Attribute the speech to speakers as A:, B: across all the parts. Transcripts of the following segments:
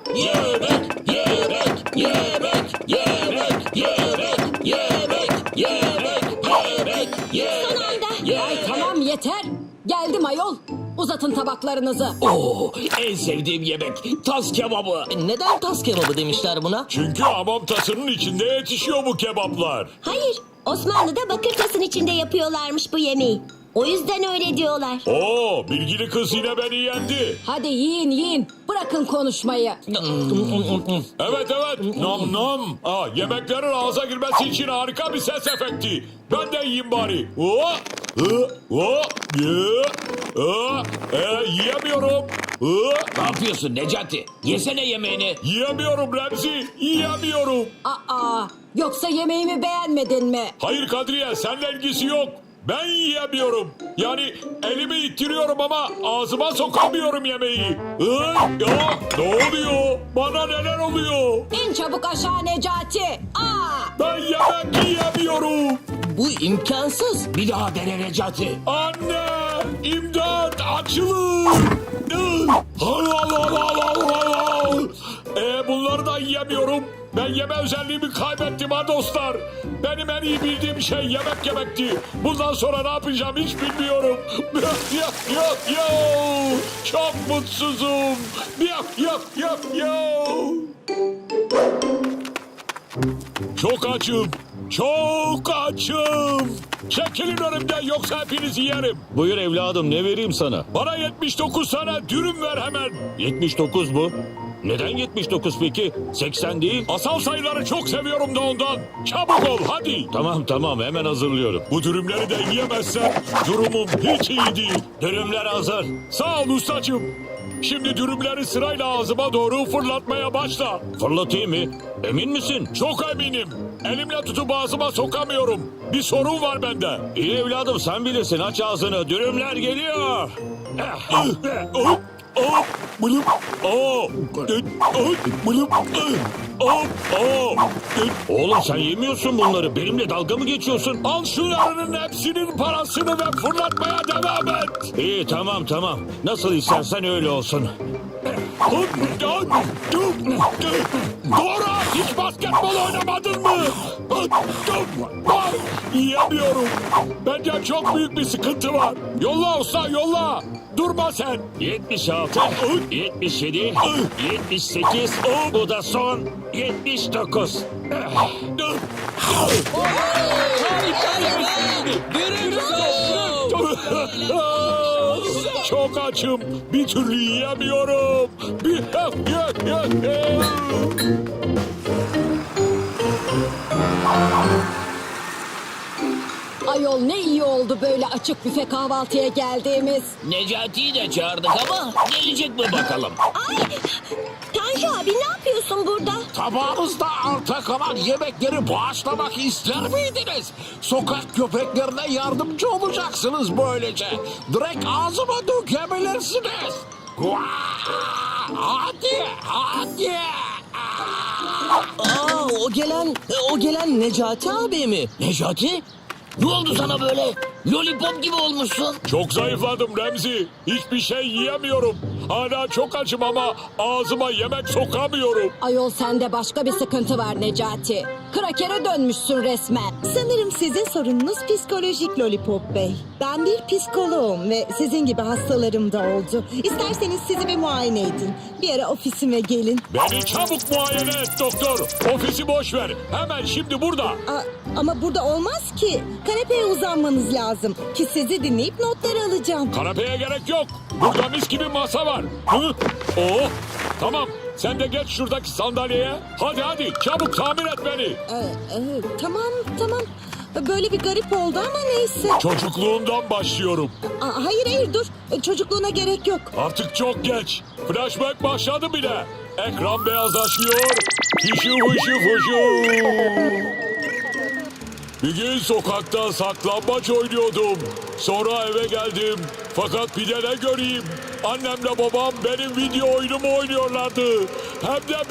A: yemek, yemek, yemek, yemek, yemek, yemek, yemek, yemek,
B: Son anda. Ay tamam yeter. Geldim ayol. Uzatın tabaklarınızı.
A: Oo, en sevdiğim yemek tas kebabı.
C: Neden tas kebabı demişler buna?
D: Çünkü hamam tasının içinde yetişiyor bu kebaplar.
E: Hayır, Osmanlı'da bakır tasın içinde yapıyorlarmış bu yemeği. O yüzden öyle diyorlar.
D: Oo, bilgili kız yine beni yendi.
B: Hadi yiyin yiyin. Bırakın konuşmayı.
D: Evet evet, nam nam. Yemeklerin ağza girmesi için harika bir ses efekti. Ben de yiyeyim bari. Yiyemiyorum.
A: Ne yapıyorsun Necati? Yesene yemeğini.
D: Yiyemiyorum Remzi, yiyemiyorum.
B: Aa, yoksa yemeğimi beğenmedin mi?
D: Hayır Kadriye, seninle ilgisi yok. Ben yiyemiyorum. Yani elimi ittiriyorum ama ağzıma sokamıyorum yemeği. Ne oluyor? Bana neler oluyor?
B: İn çabuk aşağı Necati.
D: Ben yemek yiyemiyorum.
C: Bu imkansız.
A: Bir daha dene Necati.
D: Anne! İmdat! Açılın! Bunları da yiyemiyorum. Ben yeme özelliğimi kaybettim ha dostlar. Benim en iyi bildiğim şey yemek yemekti. Bundan sonra ne yapacağım hiç bilmiyorum. Çok mutsuzum. Çok açım. Çok açım. Çekilin önümden yoksa hepinizi yerim.
F: Buyur evladım, ne vereyim sana?
D: Bana 79 tane dürüm ver hemen.
F: 79 mu? Neden 79 peki? 80 değil.
D: Asal sayıları çok seviyorum da ondan. Çabuk ol hadi.
F: Tamam hemen hazırlıyorum.
D: Bu dürümleri de yiyemezsem durumum hiç iyi değil.
F: Dürümler hazır.
D: Sağ ol ustacığım. Şimdi dürümleri sırayla ağzıma doğru fırlatmaya başla.
F: Fırlatayım mı? Emin misin?
D: Çok eminim. Elimle tutup ağzıma sokamıyorum. Bir sorun var bende.
F: İyi evladım, sen bilirsin, aç ağzını. Dürümler geliyor. Oğlum sen yemiyorsun bunları. Benimle dalga mı geçiyorsun?
D: Al şu yarının hepsinin parasını ve fırlatmaya devam et.
F: İyi tamam. Nasıl istersen öyle olsun.
D: Dora, hiç basketbol oynamadın mı? Yiyemiyorum. Bence çok büyük bir sıkıntı var. Yolla usta yolla. Durma sen.
F: 76, 77, 78, bu da son 79.
D: Çok açım. Bir türlü yiyemiyorum.
B: Ayol ne iyi oldu böyle açık büfe kahvaltıya geldiğimiz.
A: Necati'yi de çağırdık ama gelecek mi bakalım?
E: Ay, Tanju abi ne yapıyorsun burada?
G: Tabağınızda arta kalan yemekleri bağışlamak ister miydiniz? Sokak köpeklerine yardımcı olacaksınız böylece. Direkt ağzıma dökebilirsiniz. Hadi.
C: O gelen Necati abi mi?
A: Necati? Ne oldu sana böyle? Lollipop gibi olmuşsun.
D: Çok zayıfladım Remzi. Hiçbir şey yiyemiyorum. Hala çok açım ama ağzıma yemek sokamıyorum.
B: Ayol sende başka bir sıkıntı var Necati. Krakere dönmüşsün resmen.
H: Sanırım sizin sorununuz psikolojik Lollipop Bey. Ben bir psikoloğum ve sizin gibi hastalarım da oldu. İsterseniz sizi bir muayene edin. Bir ara ofisime gelin.
D: Beni çabuk muayene et doktor. Ofisi boş ver. Hemen şimdi burada.
H: Ama burada olmaz ki. Kanepeye uzanmanız lazım. Ki sizi dinleyip notlar alacağım.
D: Kanepeye gerek yok. Burada mis gibi masa var. Tamam. Sen de geç şuradaki sandalyeye. Hadi çabuk tamir et beni.
H: Tamam. Böyle bir garip oldu ama neyse.
D: Çocukluğundan başlıyorum.
H: Hayır dur. Çocukluğuna gerek yok.
D: Artık çok geç. Flashback başladı bile. Ekran beyazlaşıyor. Fişu. Bir gün sokakta saklambaç oynuyordum. Sonra eve geldim. Fakat bir de ne göreyim? Annemle babam benim video oyunumu oynuyorlardı. Hem de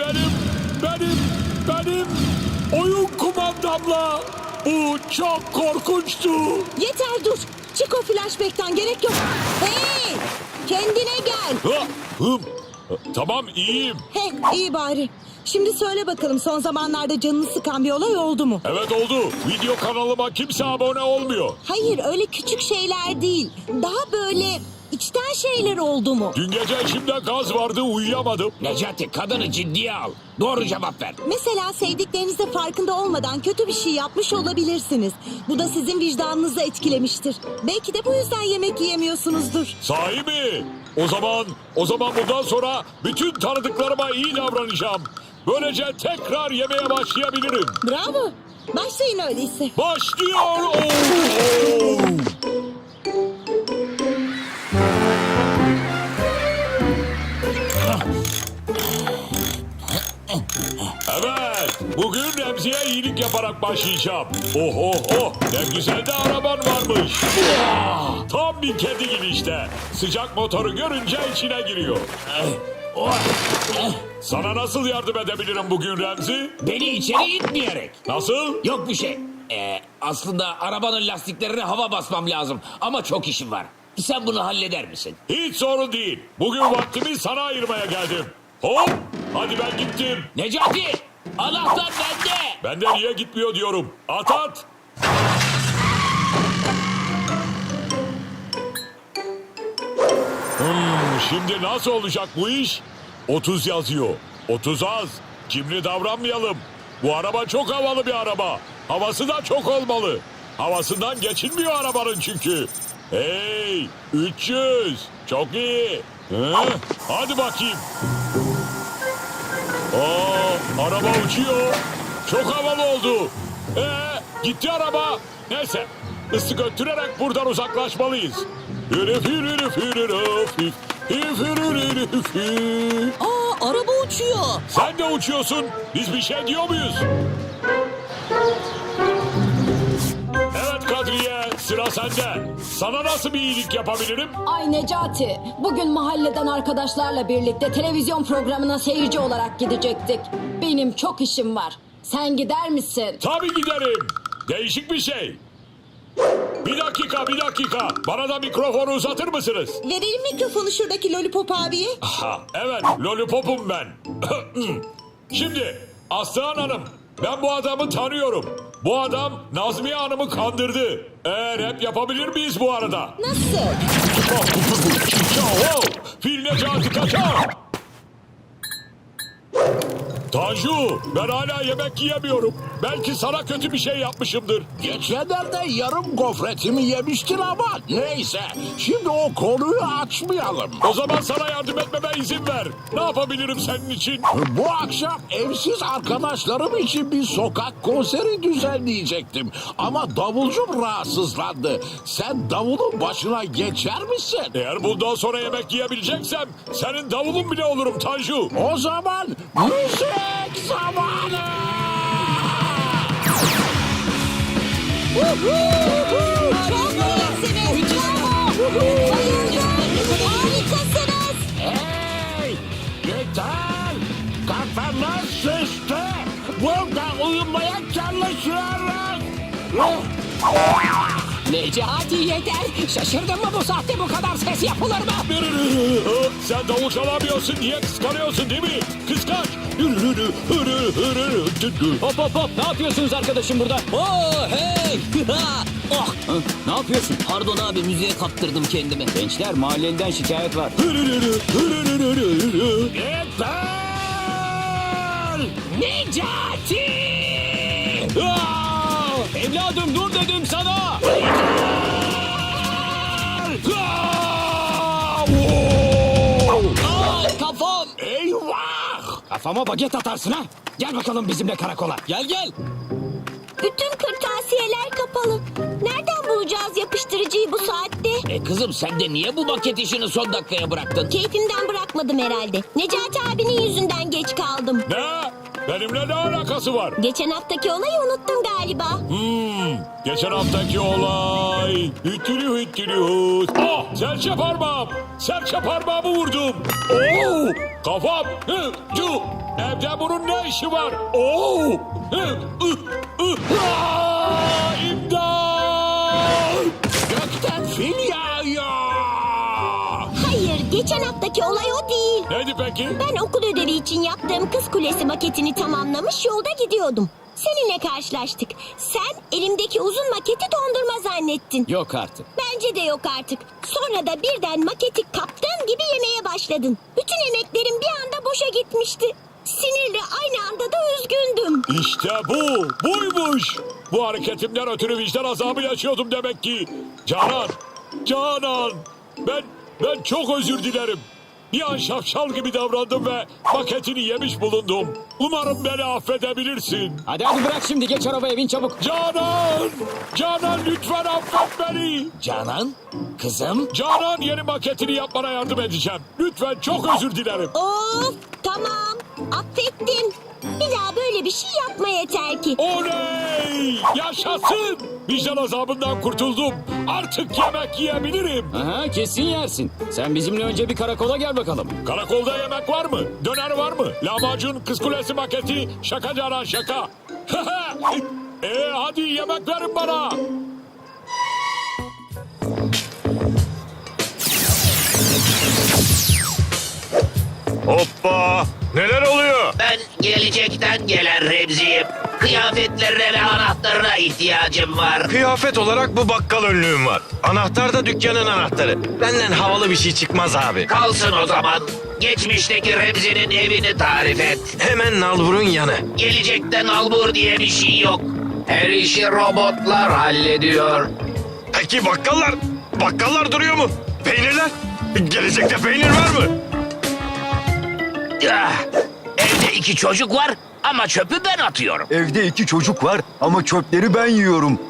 D: benim oyun kumandamla. Bu çok korkunçtu.
H: Yeter dur. Çık o flashback'ten gerek yok. Hey! Kendine gel.
D: Tamam iyiyim.
H: He, iyi bari. Şimdi söyle bakalım, son zamanlarda canını sıkan bir olay oldu mu?
D: Evet oldu. Video kanalıma kimse abone olmuyor.
H: Hayır, öyle küçük şeyler değil. Daha böyle içten şeyler oldu mu?
D: Dün gece içimde gaz vardı uyuyamadım.
G: Necati kadını ciddiye al. Doğru cevap ver.
H: Mesela sevdiklerinizde farkında olmadan kötü bir şey yapmış olabilirsiniz. Bu da sizin vicdanınızı etkilemiştir. Belki de bu yüzden yemek yiyemiyorsunuzdur.
D: Sahi mi? O zaman bundan sonra bütün tanıdıklarıma iyi davranacağım. Böylece tekrar yemeye başlayabilirim.
H: Bravo. Başlayın öyleyse.
D: Başlıyor. Oo! Evet, bugün Remzi'ye iyilik yaparak başlayacağım. Oh oh oh, ne güzel de araban varmış. Tam bir kedi gibi işte. Sıcak motoru görünce içine giriyor. Sana nasıl yardım edebilirim bugün Remzi?
A: Beni içeri itmeyerek.
D: Nasıl?
A: Yok bir şey. Aslında arabanın lastiklerine hava basmam lazım. Ama çok işim var. Sen bunu halleder misin?
D: Hiç sorun değil. Bugün vaktimi sana ayırmaya geldim. Hop, hadi ben gittim.
A: Necati! Anahtar bende!
D: Ben de niye gitmiyor diyorum. At at. Şimdi nasıl olacak bu iş? 30 yazıyor. 30 az. Cimri davranmayalım. Bu araba çok havalı bir araba. Havası da çok olmalı. Havasından geçilmiyor arabanın çünkü. Hey, 300. Çok iyi. Hadi bakayım. Araba uçuyor. Çok havalı oldu. Gitti araba. Neyse, ısı götürerek buradan uzaklaşmalıyız.
C: Araba uçuyor.
D: Sen de uçuyorsun. Biz bir şey diyor muyuz? Evet Kadriye, sıra sende. Sana nasıl bir iyilik yapabilirim?
B: Ay Necati, bugün mahalleden arkadaşlarla birlikte televizyon programına seyirci olarak gidecektik. Benim çok işim var. Sen gider misin?
D: Tabii giderim. Değişik bir şey. Bir dakika. Bana da mikrofonu uzatır mısınız?
H: Verelim mikrofonu şuradaki Lollipop abiye.
D: Ha, evet, lollipopum ben. Şimdi, Aslıhan Hanım, ben bu adamı tanıyorum. Bu adam Nazmiye Hanım'ı kandırdı. Rap yapabilir miyiz bu arada?
H: Nasıl?
D: Fil Necati kaçar. Tanju, ben hala yemek yiyemiyorum. Belki sana kötü bir şey yapmışımdır.
G: Geçenlerde yarım gofretimi yemiştin ama neyse. Şimdi o konuyu açmayalım.
D: O zaman sana yardım etmeme izin ver. Ne yapabilirim senin için?
G: Bu akşam evsiz arkadaşlarım için bir sokak konseri düzenleyecektim. Ama davulcum rahatsızlandı. Sen davulun başına geçer misin?
D: Eğer bundan sonra yemek yiyebileceksem senin davulun bile olurum Tanju.
G: O zaman müzik zamanı!
H: Çok iyisiniz. Bravo. Bayıldım. Harikasınız.
G: Hey! Yeter! Kafanız şişti! Burada uyumaya çalışıyoruz!
A: Necati yeter! Şaşırdın mı bu saatte bu kadar ses yapılır mı?
D: Sen davul çalamıyorsun diye kıskanıyorsun değil mi? Kıskanç.
A: Hop hop hop! Ne yapıyorsunuz arkadaşım burada?
C: Oo hey. Oh,
A: Ne yapıyorsun?
C: pardon abi, müziğe kaptırdım kendimi.
A: Gençler mahallenden şikayet var.
G: Yeter!
A: Necati! Evladım dur dedim sana!
C: Kafam.
G: Eyvah!
A: Kafama baget atarsın ha! Gel bakalım bizimle karakola.
C: Gel.
E: Bütün kırtasiyeler kapalı. Nereden bulacağız yapıştırıcıyı bu saatte?
A: Kızım sen de niye bu maket işini son dakikaya bıraktın?
E: Keyfimden bırakmadım herhalde. Necati abinin yüzünden geç kaldım.
D: Ne? Benimle ne alakası var?
E: Geçen haftaki olayı unuttun galiba.
D: Geçen haftaki olay. Hüttülü. Serçe parmağım. Serçe parmağımı vurdum. Kafam. Evde bunun ne işi var? İmdat!
G: Gökten fil yağıyor!
E: Hayır, geçen haftaki olay o değil.
D: Neydi peki?
E: Ben okul ödevi için yaptığım Kız Kulesi maketini tamamlamış yolda gidiyordum. Seninle karşılaştık. Sen elimdeki uzun maketi dondurma zannettin.
C: Yok artık.
E: Bence de yok artık. Sonra da birden maketi kaptığın gibi yemeye başladın. Bütün emeklerim bir anda boşa gitmişti. Sinirle aynı anda da üzgündüm.
D: İşte bu. Buymuş. Bu hareketimden ötürü vicdan azabı yaşıyordum demek ki. Canan. Ben çok özür dilerim. Bir an şapşal gibi davrandım ve maketini yemiş bulundum. Umarım beni affedebilirsin.
C: Hadi bırak şimdi geç arabaya bin çabuk.
D: Canan lütfen affet beni.
A: Canan, kızım.
D: Canan yeni maketini yapmana yardım edeceğim. Lütfen çok özür dilerim.
E: Of, tamam. Affettim. Bir daha böyle bir şey yapma yeter ki.
D: Oley! Yaşasın! Vicdan azabından kurtuldum. Artık yemek yiyebilirim.
C: Aha, kesin yersin. Sen bizimle önce bir karakola gel bakalım.
D: Karakolda yemek var mı? Döner var mı? Lahmacun, Kız Kulesi maketi, şaka Canan şaka. Hadi yemek verin bana.
F: Hoppa! Neler oluyor?
I: Ben gelecekten gelen Remzi'yim. Kıyafetlerine ve anahtarına ihtiyacım var.
F: Kıyafet olarak bu bakkal önlüğüm var. Anahtar da dükkanın anahtarı. Benden havalı bir şey çıkmaz abi.
I: Kalsın o zaman. Geçmişteki Remzi'nin evini tarif et.
F: Hemen nalburun yanı.
I: Gelecekten albur diye bir şey yok. Her işi robotlar hallediyor.
F: Peki bakkallar? Bakkallar duruyor mu? Peynirler? Gelecekte peynir var mı?
I: Ah, evde 2 çocuk var ama çöpü ben atıyorum.
J: Evde 2 çocuk var ama çöpleri ben yiyorum.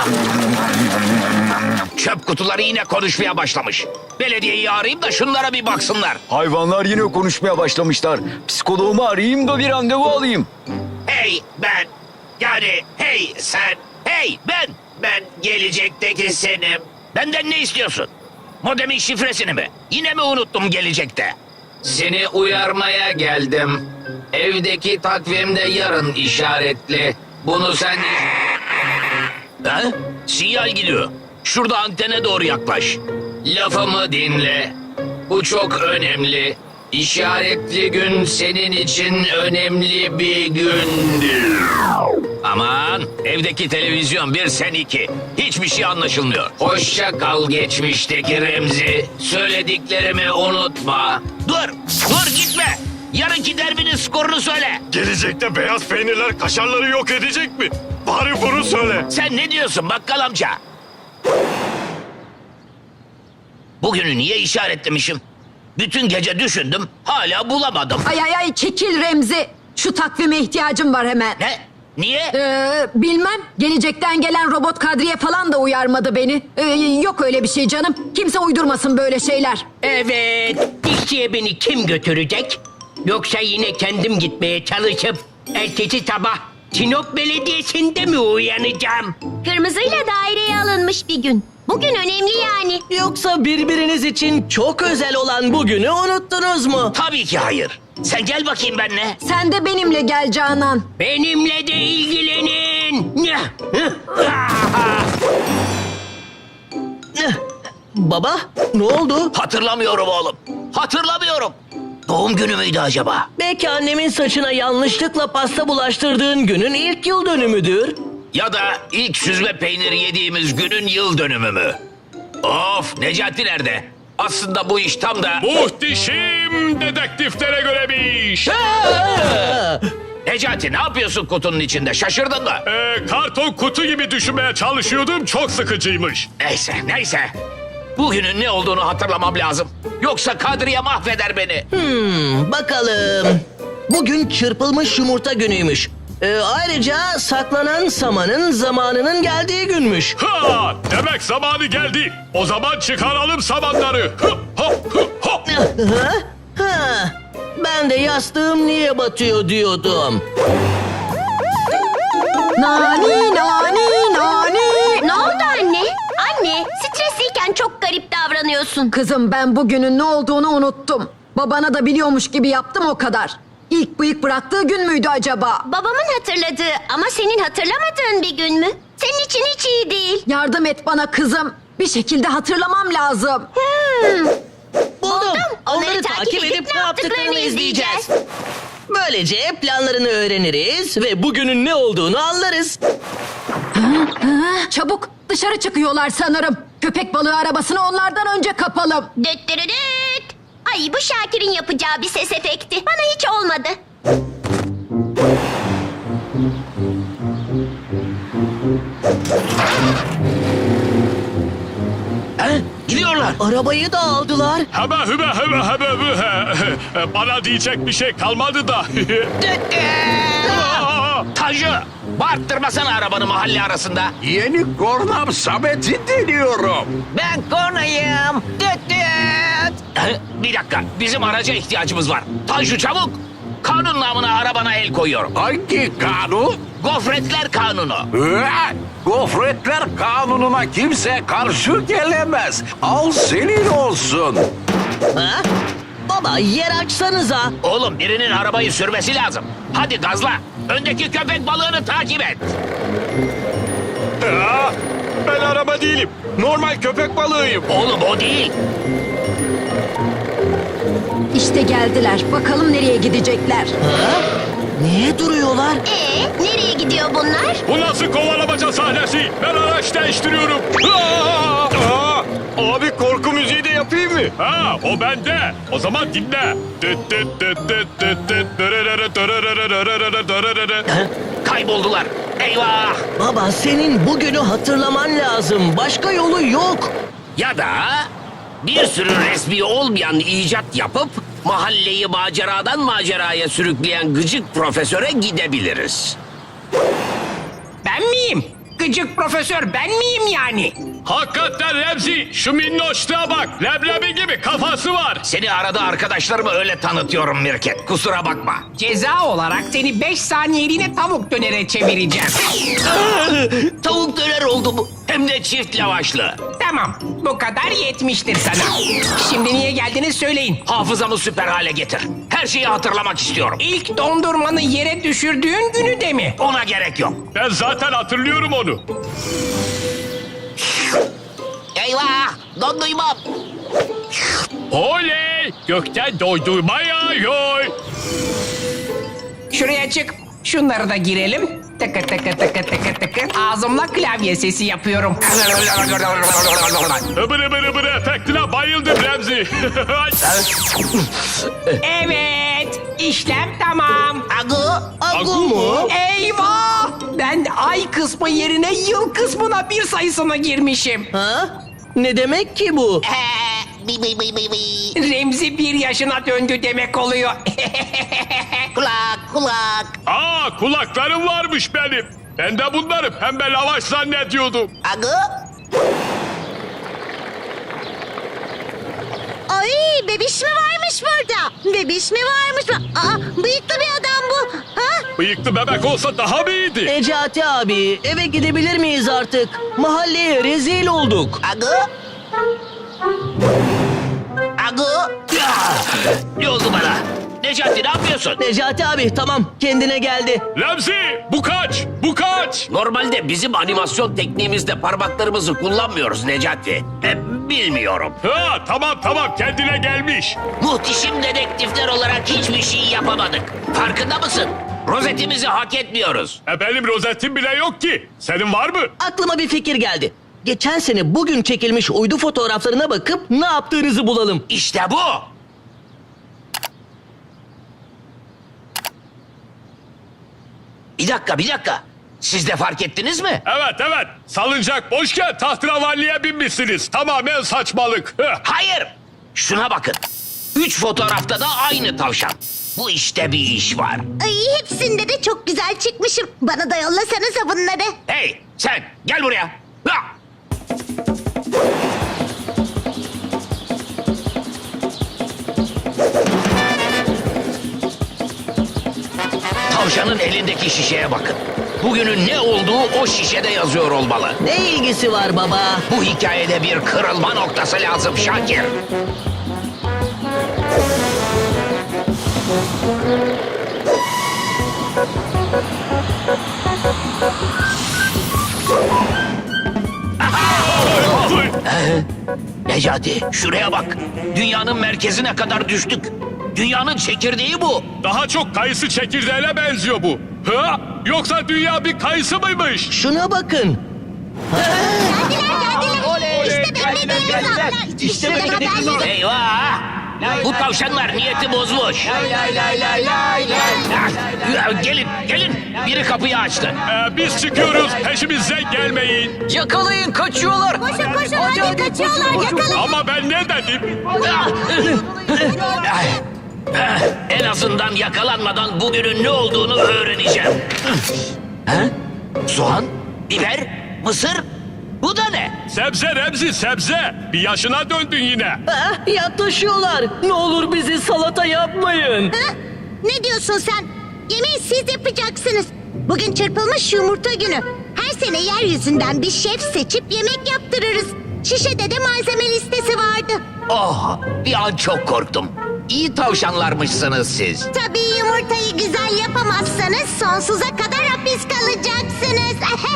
I: Çöp kutuları yine konuşmaya başlamış. Belediyeyi arayayım da şunlara bir baksınlar.
J: Hayvanlar yine konuşmaya başlamışlar. Psikoloğumu arayayım da bir randevu alayım.
I: Hey ben, yani hey sen, hey ben gelecekteki senim. Benden ne istiyorsun? Modemin şifresini mi? Yine mi unuttum gelecekte? Seni uyarmaya geldim. Evdeki takvimde yarın işaretli. Bunu sen... Ha? Sinyal gidiyor. Şurada antene doğru yaklaş. Lafımı dinle. Bu çok önemli. İşaretli gün senin için önemli bir gündür. Aman, evdeki televizyon 1 sen 2. Hiçbir şey anlaşılmıyor. Hoşça kal geçmişteki Remzi. Söylediklerimi unutma. Dur gitme. Yarınki derbinin skorunu söyle.
F: Gelecekte beyaz peynirler kaşarları yok edecek mi? Bari bunu söyle.
I: Sen ne diyorsun bakkal amca? Bugünü niye işaretlemişim? Bütün gece düşündüm, hala bulamadım.
B: Ay çekil Remzi. Şu takvime ihtiyacım var hemen.
I: Ne? Niye?
B: Bilmem. Gelecekten gelen robot Kadriye falan da uyarmadı beni. Yok öyle bir şey canım. Kimse uydurmasın böyle şeyler.
K: Evet, dişçiye beni kim götürecek? Yoksa yine kendim gitmeye çalışıp ertesi sabah Sinop Belediyesi'nde mi uyanacağım?
E: Kırmızıyla daireye alınmış bir gün. Bugün önemli yani.
C: Yoksa birbiriniz için çok özel olan bugünü unuttunuz mu?
I: Tabii ki hayır. Sen gel bakayım benimle.
B: Sen de benimle gel Canan.
K: Benimle de ilgilenin.
C: Baba, ne oldu?
I: Hatırlamıyorum oğlum. Hatırlamıyorum. Doğum günü müydü acaba?
C: Belki annemin saçına yanlışlıkla pasta bulaştırdığın günün ilk yıl dönümüdür.
I: Ya da ilk süzme peyniri yediğimiz günün yıl dönümü mü? Of, Necati nerede? Aslında bu iş tam da...
D: Muhteşem dedektiflere göre bir iş.
I: Necati ne yapıyorsun kutunun içinde? Şaşırdın mı?
D: Karton kutu gibi düşünmeye çalışıyordum. Çok sıkıcıymış.
I: Neyse. Bugünün ne olduğunu hatırlamam lazım. Yoksa Kadriye mahveder beni.
C: Bakalım. Bugün çırpılmış yumurta günüymüş. Ayrıca saklanan samanın zamanının geldiği günmüş.
D: Ha! Demek zamanı geldi. O zaman çıkaralım samanları.
C: Ben de yastığım niye batıyor diyordum.
B: Nani.
E: Ne oldu anne? Anne, stresliyken çok garip davranıyorsun.
B: Kızım ben bugünün ne olduğunu unuttum. Babana da biliyormuş gibi yaptım o kadar. İlk bıyık bıraktığı gün müydü acaba?
E: Babamın hatırladığı ama senin hatırlamadığın bir gün mü? Senin için hiç iyi değil.
B: Yardım et bana kızım. Bir şekilde hatırlamam lazım.
C: yaptıklarını izleyeceğiz. Böylece planlarını öğreniriz ve bugünün ne olduğunu anlarız.
B: Çabuk dışarı çıkıyorlar sanırım. Köpek balığı arabasını onlardan önce kapalım.
E: Düt dürüdüt. Ay bu Şakir'in yapacağı bir ses efekti. Bana hiç olmadı.
A: Gidiyorlar.
C: Arabayı da aldılar.
D: Hebe hübe hebe hebe hühe. Bana diyecek bir şey kalmadı da.
A: Tanju, bağırttırmasana arabanı mahalle arasında.
G: Yeni kornam Samet'i deniyorum.
A: Ben kornayım. Bir dakika, bizim araca ihtiyacımız var. Tanju çabuk. Kanun namına arabana el koyuyorum.
G: Hangi kanun?
A: Gofretler kanunu.
G: Gofretler kanununa kimse karşı gelemez. Al senin olsun.
C: Ha? Baba yer açsanıza.
A: Oğlum birinin arabayı sürmesi lazım. Hadi gazla. Öndeki köpek balığını takip et.
D: Ben araba değilim. Normal köpek balığıyım.
A: Oğlum o değil.
B: İşte geldiler. Bakalım nereye gidecekler.
C: Niye duruyorlar?
E: Nereye gidiyor bunlar?
D: Bu nasıl kovalamaca sahnesi? Ben araç değiştiriyorum. Abi korku müziği de yapayım mı? Ha, o bende. O zaman dinle.
A: Kayboldular. Eyvah.
C: Baba senin bugünü hatırlaman lazım. Başka yolu yok.
A: Ya da bir sürü resmi olmayan icat yapıp mahalleyi maceradan maceraya sürükleyen gıcık profesöre gidebiliriz.
K: Ben miyim? Gıcık profesör ben miyim yani?
D: Hakikaten Remzi, şu minnoşluğa bak. Leblebi gibi kafası var.
A: Seni arada arkadaşlarıma öyle tanıtıyorum Mirket. Kusura bakma.
K: Ceza olarak seni 5 saniyeliğine tavuk dönere çevireceğim.
A: Tavuk döner oldu bu. Hem de çift lavaşlı.
K: Tamam, bu kadar yetmiştir sana. Şimdi niye geldiniz söyleyin.
A: Hafızamı süper hale getir. Her şeyi hatırlamak istiyorum.
K: İlk dondurmanı yere düşürdüğün günü de mi?
A: Ona gerek yok.
D: Ben zaten hatırlıyorum onu.
A: Eyvah! Donduymam.
D: Oley! Gökten doydurma yağıyor.
K: Şuraya çık. Şunları da girelim. Tıkı tıkı tıkı tıkı tıkı. Ağzımla klavye sesi yapıyorum.
D: Ibır ıbır ıbır efektine bayıldım Remzi.
K: Evet, işlem tamam.
C: Agu mu?
K: Eyvah! Ben ay kısmı yerine yıl kısmına bir sayısına girmişim.
C: Ha? Ne demek ki bu?
K: Remzi 1 yaşına döndü demek oluyor.
D: Aa, kulaklarım varmış benim. Ben de bunları pembe lavaş zannediyordum.
E: Ay bebiş mi varmış burada? Bebiş mi varmış? Bıyıklı bir adam bu. Ha?
D: Bıyıklı bebek olsa daha mı iyiydi?
C: Necati abi eve gidebilir miyiz artık? Mahalleye rezil olduk.
A: Ne oldu bana? Necati ne yapıyorsun?
C: Necati abi tamam kendine geldi.
D: Remzi, bu kaç? Bu kaç?
A: Normalde bizim animasyon tekniğimizde parmaklarımızı kullanmıyoruz Necati. Bilmiyorum.
D: Ha, tamam kendine gelmiş.
A: Muhteşem dedektifler olarak hiçbir şey yapamadık. Farkında mısın? Rozetimizi hak etmiyoruz.
D: Benim rozetim bile yok ki. Senin var mı?
C: Aklıma bir fikir geldi. Geçen sene bugün çekilmiş uydu fotoğraflarına bakıp ne yaptığınızı bulalım.
A: İşte bu. Bir dakika. Siz de fark ettiniz mi?
D: Evet. Salıncak boşken tahterevalliye binmişsiniz. Tamamen saçmalık.
A: Hayır. Şuna bakın. 3 fotoğrafta da aynı tavşan. Bu işte bir iş var.
E: Ay hepsinde de çok güzel çıkmışım. Bana da yollasanıza bunları.
A: Hey sen gel buraya. Ha! Tavşanın elindeki şişeye bakın. Bugünün ne olduğu o şişede yazıyor olmalı.
C: Ne ilgisi var baba?
A: Bu hikayede bir kırılma noktası lazım Şakir. Necati şuraya bak. Dünyanın merkezine kadar düştük. Dünyanın çekirdeği bu.
D: Daha çok kayısı çekirdeğine benziyor bu. Ha? Yoksa dünya bir kayısı mıymış?
C: Şuna bakın.
E: İşte beklediğimiz an.
A: Eyvah! Bu tavşanlar niyeti bozmuş. Gelin, gelin. Biri kapıyı açtı.
D: Biz çıkıyoruz. Peşimize gelmeyin.
B: Yakalayın, kaçıyorlar.
E: Koşun hadi kaçıyorlar yakalayın.
D: Ama ben ne dedim?
A: En azından yakalanmadan bugünün ne olduğunu öğreneceğim. Ha? Soğan, biber, mısır. Bu da ne?
D: Sebze Remzi sebze. Bir yaşına döndün yine.
C: Yaklaşıyorlar. Ne olur bizi salata yapmayın.
E: Ha? Ne diyorsun sen? Yemeği siz yapacaksınız. Bugün çırpılmış yumurta günü. Her sene yeryüzünden bir şef seçip yemek yaptırırız. Şişede de malzeme listesi vardı.
A: Oh, bir an çok korktum. İyi tavşanlarmışsınız siz.
E: Tabii yumurtayı güzel yapamazsanız sonsuza kadar hapis kalacaksınız.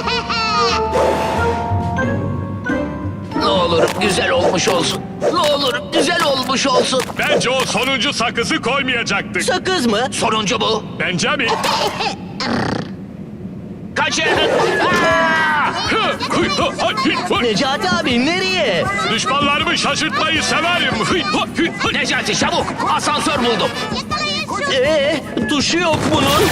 A: Ne olur güzel olmuş olsun. Ne olur güzel olmuş olsun.
D: Bence o sonuncu sakızı koymayacaktık.
C: Sakız mı?
A: Sonuncu bu.
D: Bence mi?
A: Kaçın. Aa!
C: Necati abi nereye?
D: Düşmanlarımı şaşırtmayı severim.
A: Necati çabuk. Asansör buldum.
C: Tuşu yok bunun.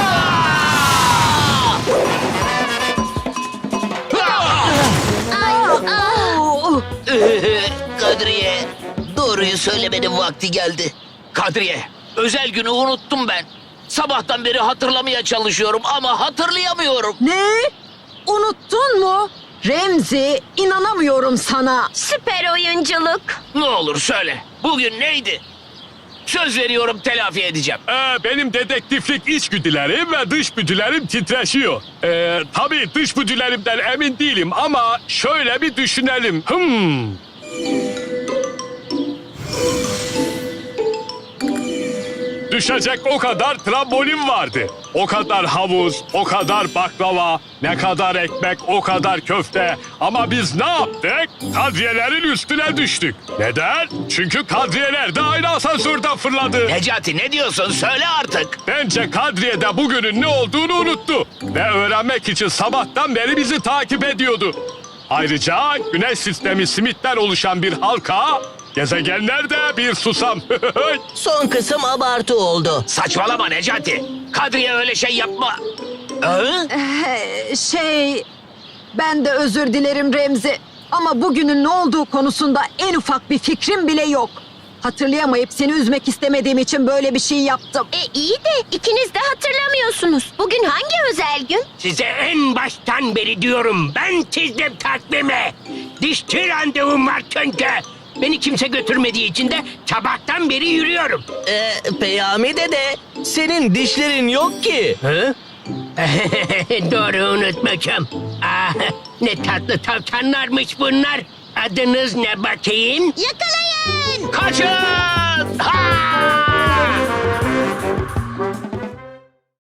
A: Kadriye, doğruyu söylemenin vakti geldi. Kadriye, özel günü unuttum ben. Sabahtan beri hatırlamaya çalışıyorum ama hatırlayamıyorum.
B: Ne? Unuttun mu? Remzi, inanamıyorum sana.
E: Süper oyunculuk.
A: Ne olur söyle, bugün neydi? Söz veriyorum telafi edeceğim.
D: Benim dedektiflik içgüdülerim ve dışgüdülerim titreşiyor. Tabii dışgüdülerimden emin değilim ama şöyle bir düşünelim. Düşecek o kadar trambolin vardı. O kadar havuz, o kadar baklava, ne kadar ekmek, o kadar köfte. Ama biz ne yaptık? Kadriyelerin üstüne düştük. Neden? Çünkü kadriyeler de aynı asansörden fırladı.
A: Necati ne diyorsun? Söyle artık.
D: Bence Kadriye de bugünün ne olduğunu unuttu. Ve öğrenmek için sabahtan beri bizi takip ediyordu. Ayrıca güneş sistemi simitten oluşan bir halka, gezegenler de bir susam.
C: Son kısım abartı oldu.
A: Saçmalama Necati. Kadriye öyle şey yapma.
B: Ben de özür dilerim Remzi. Ama bugünün ne olduğu konusunda en ufak bir fikrim bile yok. Hatırlayamayıp seni üzmek istemediğim için böyle bir şey yaptım.
E: İyi de ikiniz de hatırlamıyorsunuz. Bugün hangi özel gün?
K: Size en baştan beri diyorum. Ben çizdim takvimi. Dişçi randevum var çünkü. Beni kimse götürmediği için de sabahtan beri yürüyorum.
C: Peyami dede, senin dişlerin yok ki.
K: Doğru unutmuşum. Ne tatlı tavşanlarmış bunlar. Adınız ne bakayım?
E: Yakalayın!
A: Kaçın! Ha!